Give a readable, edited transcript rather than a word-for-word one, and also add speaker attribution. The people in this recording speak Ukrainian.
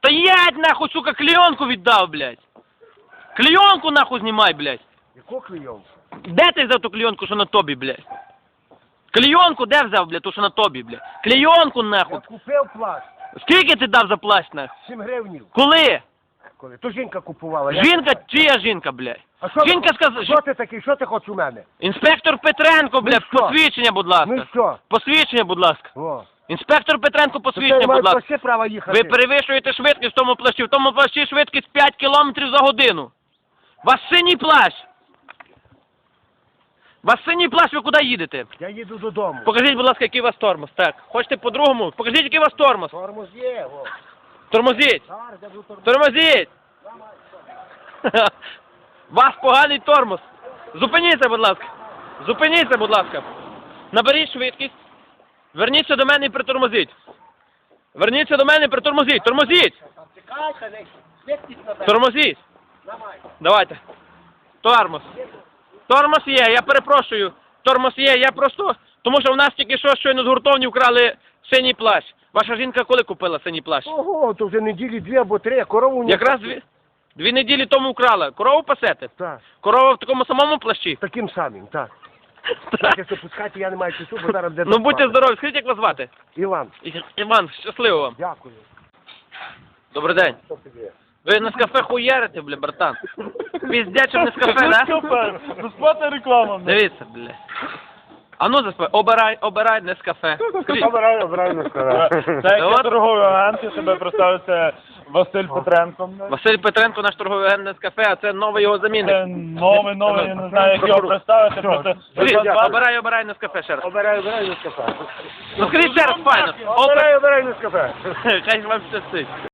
Speaker 1: Стоять, нахуй, сука, клейонку віддав, блядь. Клейонку, нахуй, знімай, блядь.
Speaker 2: Яку клейонку?
Speaker 1: Де ти взяв ту клейонку, що на тобі, блядь? Клейонку де взяв, блядь, ту, що на тобі, блядь? Клейонку,
Speaker 2: Я
Speaker 1: нахуй.
Speaker 2: купив плащ.
Speaker 1: Скільки ти дав за плащ, нахуй?
Speaker 2: 7 гривнів.
Speaker 1: Коли?
Speaker 2: Коли? То жінка купувала.
Speaker 1: Жінка, чия жінка, блядь?
Speaker 2: А що
Speaker 1: Жінка
Speaker 2: ти,
Speaker 1: сказала,
Speaker 2: що ти такий, що ти хочеш у мене?
Speaker 1: Інспектор Петренко, блядь,
Speaker 2: що?
Speaker 1: посвідчення, будь ласка.
Speaker 2: Ну і що?
Speaker 1: Посвідчення, будь ласка.
Speaker 2: О.
Speaker 1: Інспектор Петренко,
Speaker 2: То
Speaker 1: посвідчення,
Speaker 2: ти
Speaker 1: будь
Speaker 2: маєш
Speaker 1: ласка.
Speaker 2: вообще право їхати.
Speaker 1: Ви перевищуєте швидкість в тому плащі. В тому плащі швидкість 5 кілометрів за годину. Вас синій плащ. Вас синій плащ, ви куди їдете?
Speaker 2: Я їду додому.
Speaker 1: Покажіть, будь ласка, який у вас тормоз. Так. Хочете по-другому? Покажіть, який у вас тормоз.
Speaker 2: Тормоз є, о.
Speaker 1: Тормозіть.
Speaker 2: Зараз я буду тормоз.
Speaker 1: Тормозіть. Вас поганий тормоз. Зупиніться, будь ласка. Зупиніться, будь ласка. Наберіть швидкість. Верніться до мене і притормозіть. Верніться до мене і притормозіть. Тормозіть.
Speaker 2: Чекайте, не швидкість на
Speaker 1: Тормозіть. Давайте. Тормоз. Тормоз є, я перепрошую. Тормоз є, я просто... Тому що в нас тільки що щойно з гуртовні вкрали синій плащ. Ваша жінка коли купила синій плащ?
Speaker 2: Ого, то вже неділі 2 або 3, а корову не...
Speaker 1: Якраз дві неділі тому вкрала. Корову пасете?
Speaker 2: Так,
Speaker 1: Корова в такому самому плащі?
Speaker 2: таким самим, так. Так, якщо пускати, я не маю часу, бо зараз де
Speaker 1: Ну будьте здорові, скажіть, як вас звати?
Speaker 2: Іван,
Speaker 1: Іван, щасливо вам.
Speaker 2: дякую.
Speaker 1: Добрий день.
Speaker 2: Що тобі?
Speaker 1: Ви на кафе хуярите, бля, братан. Піздячим не з кафе, да?
Speaker 3: Безплатна реклама.
Speaker 1: Дивіться, бля. А ну заспай, обирай не з кафе. Скажіть,
Speaker 2: Обирай на стара.
Speaker 3: Це як
Speaker 1: От.
Speaker 3: я торговий агент, я себе представив, це Василь Петренко.
Speaker 1: Василь Петренко, наш торговий агент не з кафе, а це новий його
Speaker 3: Це
Speaker 1: замінник.
Speaker 3: новий, я не знаю, як його представити, просто...
Speaker 1: Скажіть, обирай не з кафе ще раз.
Speaker 2: Обирай на кафе.
Speaker 1: Ну скажіть ще раз, файно.
Speaker 2: Обирай на кафе.
Speaker 1: Хай вам щастить.